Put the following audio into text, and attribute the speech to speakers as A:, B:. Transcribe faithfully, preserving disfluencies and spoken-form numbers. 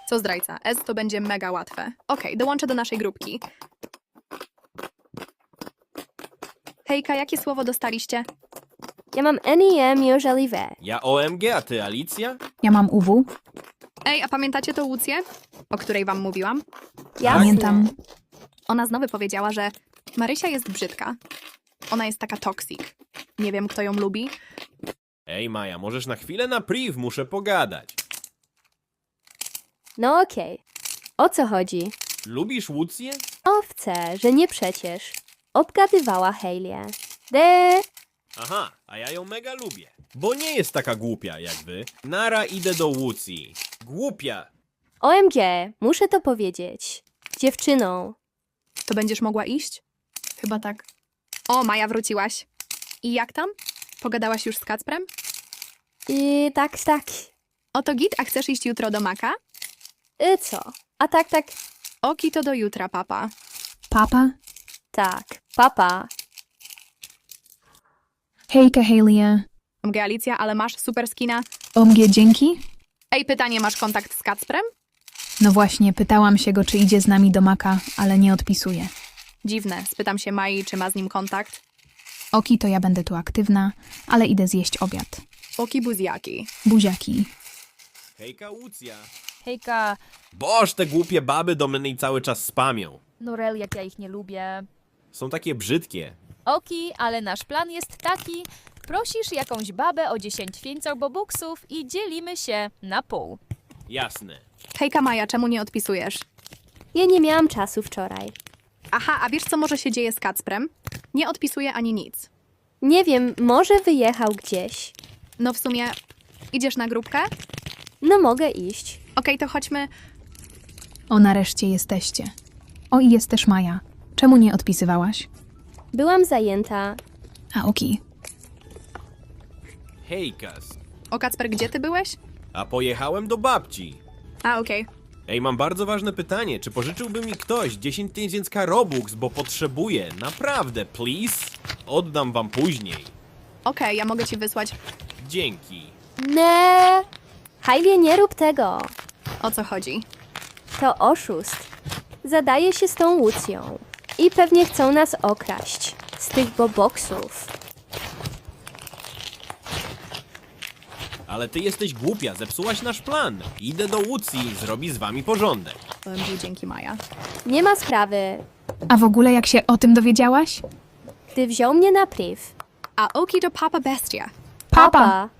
A: Co zdrajca? S to będzie mega łatwe. Okej, dołączę do naszej grupki. Hejka, jakie słowo dostaliście?
B: Ja mam N I M jeżeli we.
C: Ja O M G, a ty Alicja?
D: Ja mam U W.
A: Ej, a pamiętacie tą Łucję? O której wam mówiłam?
B: Jasne.
D: Pamiętam.
A: Ona znowu powiedziała, że Marysia jest brzydka. Ona jest taka toxic. Nie wiem, kto ją lubi.
C: Ej Maja, możesz na chwilę na priv, muszę pogadać.
B: No okej. O co chodzi?
C: Lubisz Łucję?
B: Owce, że nie przecież. Obgadywała Hailey. De.
C: Aha, a ja ją mega lubię. Bo nie jest taka głupia jak wy. Nara, idę do Łucji. Głupia!
B: O M G, muszę to powiedzieć. Dziewczyną.
A: To będziesz mogła iść? Chyba tak. O, Maja, wróciłaś. I jak tam? Pogadałaś już z Kacprem?
B: I tak, tak.
A: Oto git, a chcesz iść jutro do Maka?
B: Y co? A tak, tak.
A: Oki to do jutra, papa.
D: Papa?
B: Tak. Papa.
D: Hejka, Hailey.
A: O M G, Alicja, ale masz super skina.
D: O M G, dzięki?
A: Ej, pytanie, masz kontakt z Kacprem?
D: No właśnie, pytałam się go, czy idzie z nami do Maka, ale nie odpisuje.
A: Dziwne, spytam się Mai, czy ma z nim kontakt.
D: Oki, to ja będę tu aktywna, ale idę zjeść obiad.
A: Oki buziaki.
D: Buziaki.
C: Hejka Łucja.
E: Hejka,
C: Boż, te głupie baby do mnie cały czas spamią.
E: Norel, jak ja ich nie lubię.
C: Są takie brzydkie.
E: Oki, ale nasz plan jest taki. Prosisz jakąś babę o dziesięć bobuksów i dzielimy się na pół.
C: Jasne.
A: Hejka, Maja, czemu nie odpisujesz?
B: Ja nie miałam czasu wczoraj.
A: Aha, a wiesz, co może się dzieje z Kacprem? Nie odpisuje ani nic.
B: Nie wiem, może wyjechał gdzieś.
A: No w sumie, idziesz na grupkę?
B: No mogę iść.
A: Okej, to chodźmy.
D: O, nareszcie jesteście. O, i jest też Maja. Czemu nie odpisywałaś?
B: Byłam zajęta.
D: A, Oki.
C: Hejkas.
A: O, Kacper, gdzie ty byłeś?
C: A pojechałem do babci.
A: A, okej.
C: Ej, mam bardzo ważne pytanie. Czy pożyczyłby mi ktoś dziesięć tysięcy robux, bo potrzebuję? Naprawdę, please? Oddam wam później.
A: Okej, ja mogę ci wysłać.
C: Dzięki.
B: Nie. Hailey, nie rób tego.
A: O co chodzi?
B: To oszust. Zadaje się z tą Łucją. I pewnie chcą nas okraść. Z tych boboksów.
C: Ale ty jesteś głupia, zepsułaś nasz plan. Idę do Łucji, zrobi z wami porządek.
A: O M G, dzięki, Maja.
B: Nie ma sprawy.
D: A w ogóle jak się o tym dowiedziałaś?
B: Gdy wziął mnie na priv.
A: A Oki to papa bestia.
D: Papa!